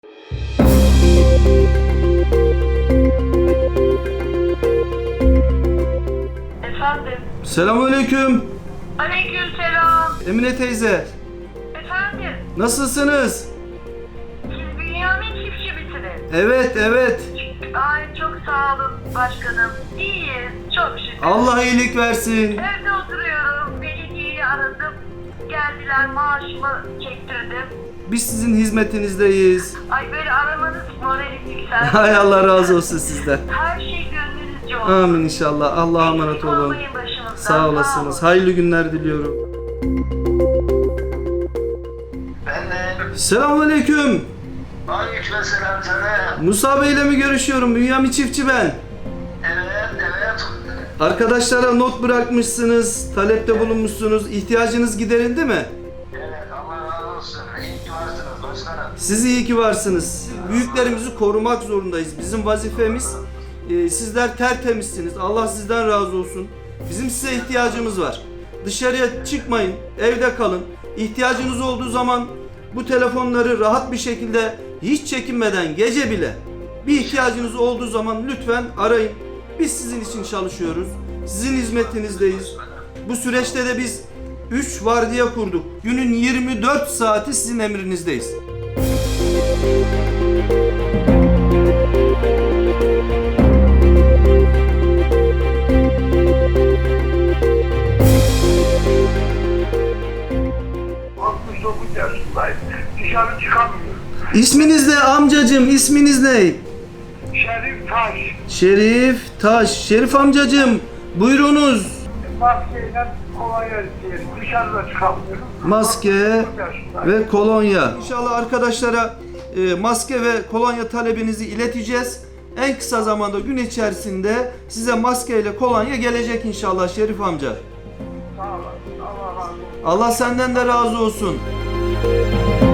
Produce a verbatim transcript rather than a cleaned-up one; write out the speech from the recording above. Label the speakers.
Speaker 1: Efendim?
Speaker 2: Selamünaleyküm.
Speaker 1: Aleykümselam.
Speaker 2: Emine teyze.
Speaker 1: Efendim?
Speaker 2: Nasılsınız?
Speaker 1: Siz Bünyamin çiftçi misiniz?
Speaker 2: Evet, evet.
Speaker 1: Ay çok sağ olun başkanım. İyiyiz. Çok şükür.
Speaker 2: Allah iyilik versin.
Speaker 1: Evde oturuyorum. Belediyeyi aradım. Geldiler, maaşımı çektirdim.
Speaker 2: Biz sizin hizmetinizdeyiz.
Speaker 1: Ay böyle aramanız moralim yükseldi.
Speaker 2: Hay Allah razı olsun sizden.
Speaker 1: Her şey gönlünüzce olsun.
Speaker 2: Amin inşallah. Allah'a emanet
Speaker 1: Eksik
Speaker 2: olun.
Speaker 1: olmayın başımızdan.
Speaker 2: Sağ olasınız. Hayırlı günler diliyorum.
Speaker 3: Ben de.
Speaker 2: Selamünaleyküm.
Speaker 3: Aleykümselam sana.
Speaker 2: Musa Bey ile mi görüşüyorum? Bünyamin çiftçi ben.
Speaker 3: Evet, evet.
Speaker 2: Arkadaşlara not bırakmışsınız, talepte bulunmuşsunuz. İhtiyacınız giderildi mi?
Speaker 3: Evet, Allah razı olsun. İyi ki varsınız başkanım.
Speaker 2: Siz iyi ki varsınız. Büyüklerimizi korumak zorundayız. Bizim vazifemiz. Ee, sizler tertemizsiniz. Allah sizden razı olsun. Bizim size ihtiyacımız var. Dışarıya çıkmayın. Evde kalın. İhtiyacınız olduğu zaman bu telefonları rahat bir şekilde hiç çekinmeden gece bile bir ihtiyacınız olduğu zaman lütfen arayın. Biz sizin için çalışıyoruz. Sizin hizmetinizdeyiz. Bu süreçte de biz üç vardiya kurduk. Günün yirmi dört saati sizin emrinizdeyiz.
Speaker 3: altmış dokuz yaşındayım. Dışarı çıkamıyorum.
Speaker 2: İsminiz ne amcacığım? İsminiz ne?
Speaker 3: Şerif Taş.
Speaker 2: Şerif Taş. Şerif amcacığım buyurunuz.
Speaker 3: Maskeyle kolonya diyelim. Dışarıda çıkamıyorum.
Speaker 2: Maske
Speaker 3: altmış dokuz yaşındayım.
Speaker 2: ve kolonya. İnşallah arkadaşlara e, maske ve kolonya talebinizi ileteceğiz. En kısa zamanda gün içerisinde size maske ile kolonya gelecek inşallah Şerif amca.
Speaker 3: Sağ olasın. Allah razı olsun.
Speaker 2: Allah senden de razı olsun.